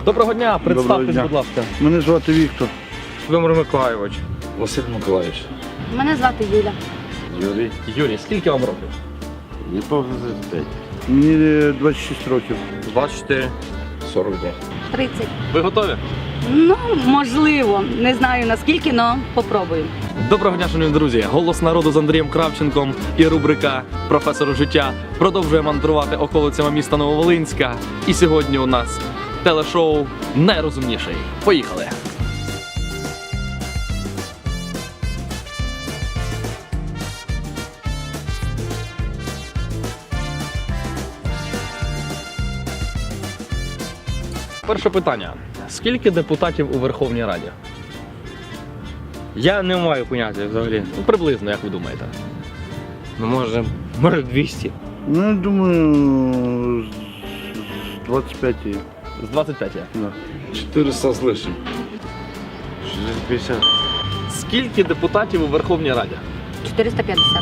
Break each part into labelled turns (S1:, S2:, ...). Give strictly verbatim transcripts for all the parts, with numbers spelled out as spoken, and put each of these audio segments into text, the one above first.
S1: Доброго дня, представтесь,
S2: дня.
S1: будь ласка.
S2: Мене звати Віктор.
S3: Володимир Миколайович.
S4: Василь Миколаївич.
S5: Мене звати Юля.
S4: Юрій.
S1: Юрій, скільки вам років?
S4: Не повно тридцять п'ять.
S2: Мені двадцять шість років.
S3: двадцять чотири.
S4: сорок два.
S5: тридцять.
S1: Ви готові?
S5: Ну, можливо. Не знаю наскільки, але попробую.
S1: Доброго дня, шановні друзі! Голос народу з Андрієм Кравченком і рубрика «Професору життя» продовжує мандрувати околицями міста Нововолинська. І сьогодні у нас телешоу «Найрозумніший». Поїхали! Перше питання. Скільки депутатів у Верховній Раді?
S3: Я не маю поняття взагалі.
S1: Ну, приблизно, як ви думаєте?
S3: Ну може, може двісті.
S2: Ну, я думаю, з двадцять п'ять є.
S1: З двадцять п'ять є.
S2: Да.
S4: чотириста з лишнім.
S3: шістсот п'ятдесят.
S1: Скільки депутатів у Верховній Раді?
S5: чотириста п'ятдесят.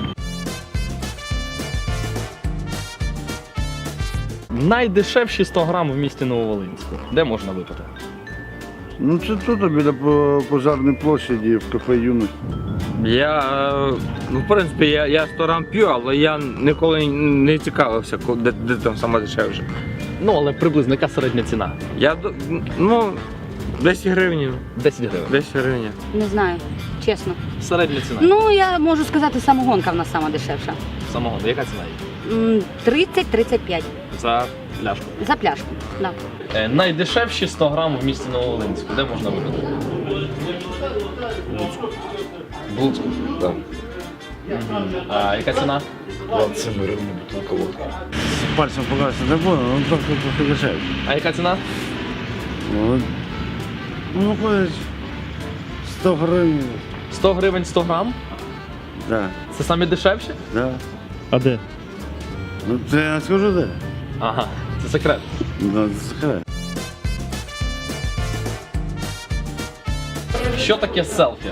S1: Найдешевші сто грам в місті Нововолинську. Де можна випити?
S2: Ну це тут, біля по- пожарної площаді, в кафе «Юність».
S3: Я, е, ну в принципі, я, я сто грам п'ю, але я ніколи не цікавився, ко- де, де там саме дешевше.
S1: Ну, але приблизно яка середня ціна?
S3: Я, до- ну, десять гривень.
S1: десять гривень.
S3: десять гривень.
S5: Не знаю, чесно.
S1: Середня ціна.
S5: Ну, я можу сказати, самогонка в нас сама дешевша.
S1: Самого. Яка ціна є?
S5: М, тридцять - тридцять п'ять
S1: За пляшку.
S5: за пляшку. Да.
S1: Е, найдешевші сто грам в місті Нововолинську. Де можна випити? В Луцьку.
S4: Так.
S1: А яка ціна?
S4: двадцять сім гривень бутилка водки.
S2: Пальцем показати не буду, але трохи трохи дешевше.
S1: А яка ціна?
S2: Ну, ну, виходить, сто гривень.
S1: сто гривень сто грам?
S2: Да,
S1: Це самі дешевші?
S2: да.
S1: А де?
S2: Ну, це я не скажу де.
S1: Ага, це секрет.
S2: Да, це секрет.
S1: Що таке селфі?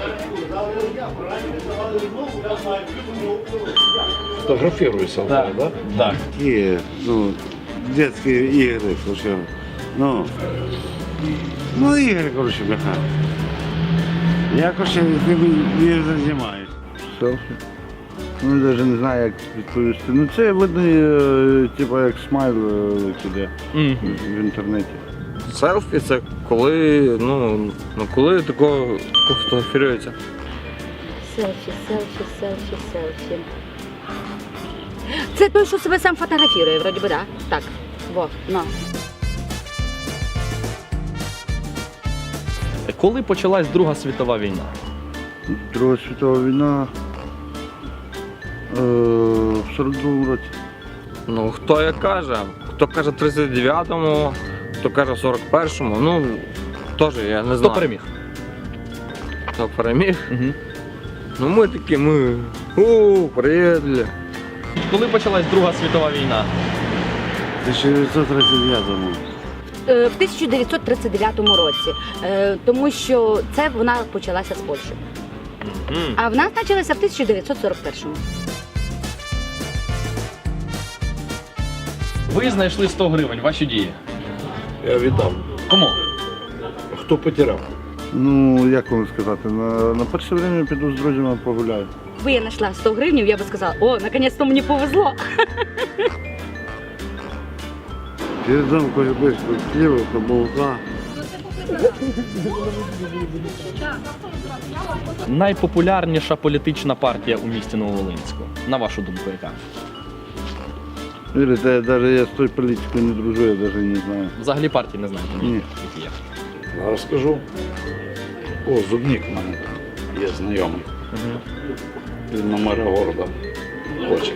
S4: Фотографіруйся, так? Да?
S1: Так.
S2: Такі, ну, детські ігри, слушай. Ну, ну ігри, коротше, бляха. Я, коротше, ним не займаюсь. Селфі? Ну, навіть не знаю, як відповісти. Ну, це видно, е, типу, як смайл іде
S1: Мгм.
S2: в інтернеті.
S3: Селфі це коли, ну, ну коли такого, такого фотографірується.
S5: Селфі, селфі, селфі, селфі. Це той, що себе сам фотографірує, вроді би, да? Так. Во, ну.
S1: Коли почалась Друга світова війна?
S2: Друга світова війна е, в сорок другому році.
S3: Ну, хто як каже, хто каже тридцять дев'ятому, хто каже сорок першому, ну, теж я не
S1: Хто
S3: знаю.
S1: переміг?
S3: Хто переміг?
S1: Угу.
S3: Ну ми такі, ми, у, приїдли.
S1: Коли почалась Друга світова війна?
S2: В тисяча дев'ятсот тридцять дев'ятому.
S5: Е, В тисяча дев'ятсот тридцять дев'ятому році, Е, тому що це вона почалася з Польщі.
S1: Мгм.
S5: А в нас почалася в тисяча дев'ятсот сорок першому.
S1: Ви знайшли сто гривень, ваші дії.
S4: Я віддав.
S1: Кому?
S4: Хто потеряв?
S2: Ну, як вам сказати, на, на перше время піду з друзями погуляю.
S5: Якби я знайшла сто гривень, я би сказала, о, наконець-то мені повезло.
S2: Передам кое-что хліба, молока.
S1: Найпопулярніша політична партія у місті Нововолинську. На вашу думку, яка?
S2: Вірите, я навіть я з тою політикою не дружу, я навіть не знаю.
S1: Взагалі партії не знаєте?
S2: Ні.
S1: Які є.
S4: Зараз скажу. О, зубник в мене там є знайомий.
S1: Мгм.
S4: Він на мера города хоче.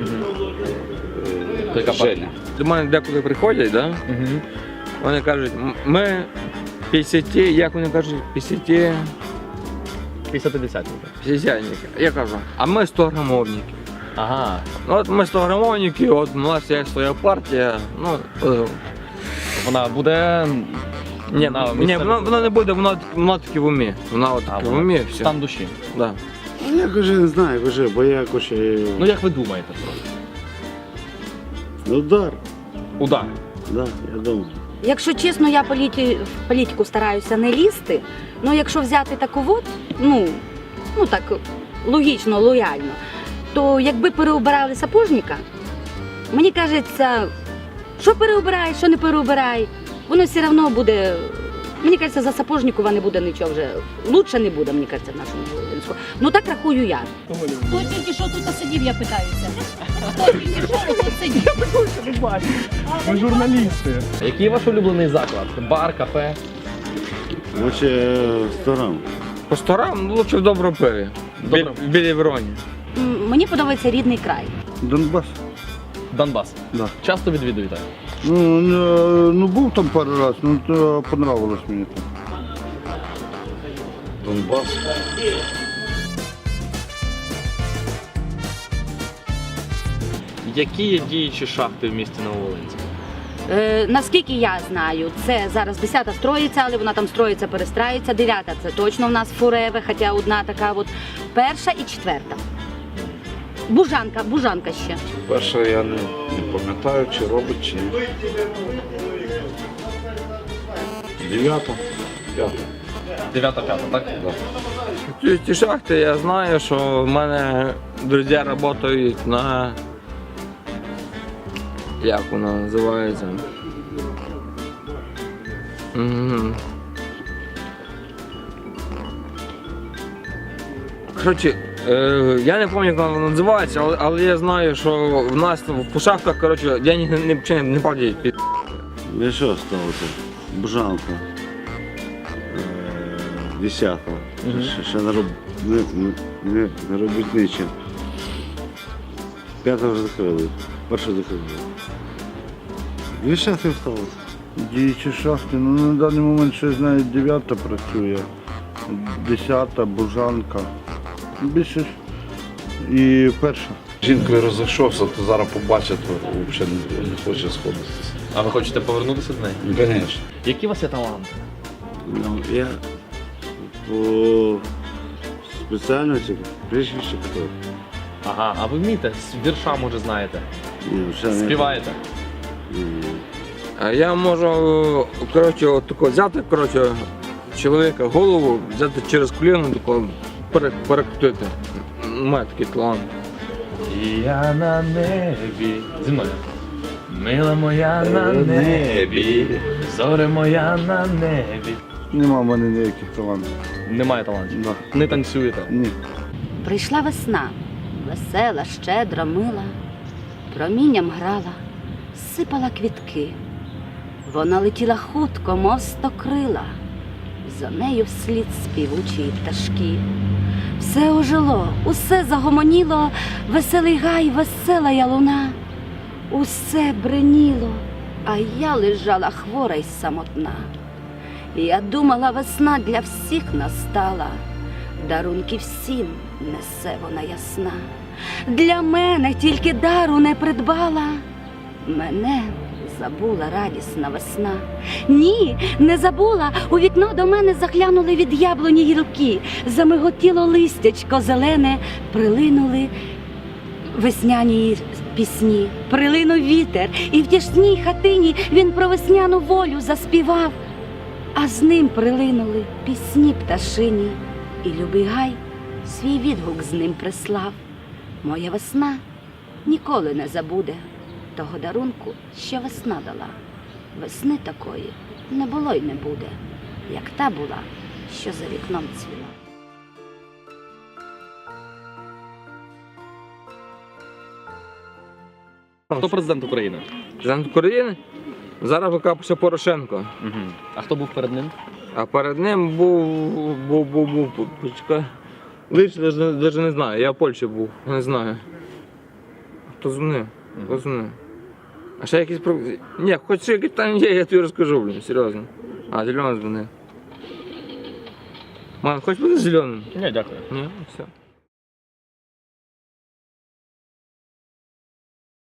S1: То яка
S4: Е,
S1: партія?
S4: Женя.
S3: До мене деколи приходять, да?
S1: Мгм.
S3: Вони кажуть, «М- ми п'ятдесят, як вони кажуть, п'ятдесят,
S1: п'ятдесятидесятники.
S3: п'ятдесятники. Я кажу, а ми сто грамовники.
S1: Ага.
S3: Ну от ми сто грамовники, от у нас є своя партія. Ну, е,
S1: Вона буде...
S3: ні,
S1: на
S3: ні,
S1: місцевих
S3: воно, воно не буде, воно, воно таки в умі. Воно от
S1: А,
S3: таки в
S1: вона
S3: умі, все.
S1: стан душі.
S3: Да.
S2: Ну, я каже, не знаю, каже, бо я каже,
S1: Ну як ви думаєте?
S2: удар.
S1: Удар.
S2: Да, я думаю.
S5: Якщо чесно, я політі... в політику стараюся не лізти. Ну, якщо взяти таку от, ну, ну так, логічно, лояльно, то якби переобирали сапожника, мені кажеться, що переобирай, що не переобирай, воно все одно буде. Мені кажеться, за сапожникова не буде нічого вже. Лучше не буде, мені кажеться, в нашому Волинську. Ну так рахую я.
S6: Хто тільки що тут сидів, я питаюся. Хто тільки що тут сидів?
S1: Ми журналісти. Який ваш улюблений заклад? Бар, кафе?
S2: Лучше сторон.
S3: По сторам ну, лучше в доброму пиві.
S1: Добре.
S3: В Білій Вороні.
S5: М, Мені подобається рідний край.
S4: Донбас.
S1: Донбас.
S4: Да.
S1: Часто відвідуєте?
S4: Ну, не- ну був там пару разів, ну то понравилось мені там.
S2: Донбас.
S1: Які є діючі шахти в місті Нововолинськ?
S5: Е, наскільки я знаю, це зараз десята строїться, але вона там строїться, перестраюється. Дев'ята це точно в нас фуреве, хоча одна така от перша і четверта. Бужанка, бужанка ще.
S4: Перше я не, не пам'ятаю, чи робить, чи ні. Дев'ята, п'ята.
S1: Дев'ята, п'ята, так?
S3: Ці, ці шахти я знаю, що в мене друзі працюють на. Як вона називається? М. Коротше, е, я не пам'ятаю, як вона називається, але, але я знаю, що в нас в шахтах, коротше, я не, не, не, не платять. під-
S2: Ну що сталося? Бужанка. Е, Десята. Ще, ще не, роб... не, не, не, не робить нічим. П'ята вже закрили. Першу закрили. Дві шахти сталося.
S4: Діючі шахти, ну на даний момент ще знаю, дев'ята працює, десята, бужанка. Більше ж і перша.
S7: Жінкою розійшовся, то зараз побачить, то взагалі не, не хоче сходитися.
S1: А ви хочете повернутися до неї?
S7: Ну, звісно.
S1: Які у вас є таланти?
S2: Ну, я по спеціальності прізвище хто.
S1: Ага, а ви вмієте? З вірша, може, знаєте?
S2: Ні, ще не-
S1: Співаєте?
S2: Ні.
S3: А я можу, коротше, от тако взяти, коротше, чоловіка голову, взяти через коліно, тако пере- перекрутити. У мене такий талант.
S1: Я на небі. Зі мною. Мила моя на небі, зоре моя на небі.
S4: Нема в мене ніяких талантів.
S1: Немає талантів.
S4: Да.
S1: Не танцюєте.
S4: Ні.
S5: Прийшла весна, весела, щедра, мила, промінням грала, сипала квітки. Вона летіла хутко, мов стокрила, за нею вслід співучі пташки. Все ожило, усе загомоніло, веселий гай, весела я луна. Усе бреніло, а я лежала хвора й самотна. Я думала, весна для всіх настала, дарунки всім несе вона ясна. Для мене тільки дару не придбала, мене забула радісна весна. Ні, не забула, у вікно до мене заглянули від яблуні гілки, замиготіло листячко зелене, прилинули весняні пісні, прилинув вітер, і в тісній хатині він про весняну волю заспівав, а з ним прилинули пісні пташині, і любий гай свій відгук з ним прислав. Моя весна ніколи не забуде того дарунку, що весна дала. Весни такої не було й не буде, як та була, що за вікном цвіла.
S1: Хто президент України?
S3: Президент України? Зараз викапався Порошенко.
S1: Угу. А хто був перед ним?
S3: А перед ним був, був, був, був, почекай. Лише навіть не знаю, я в Польщі був, не знаю. Хто дзвонив? Хто дзвонив? А ще якісь про... Ні, хоч ще якісь там є, я тобі розкажу, блін, серйозно. А, зелений дзвонив. Мам, хоч буде зеленим?
S1: Ні, дякую.
S3: Ні, все.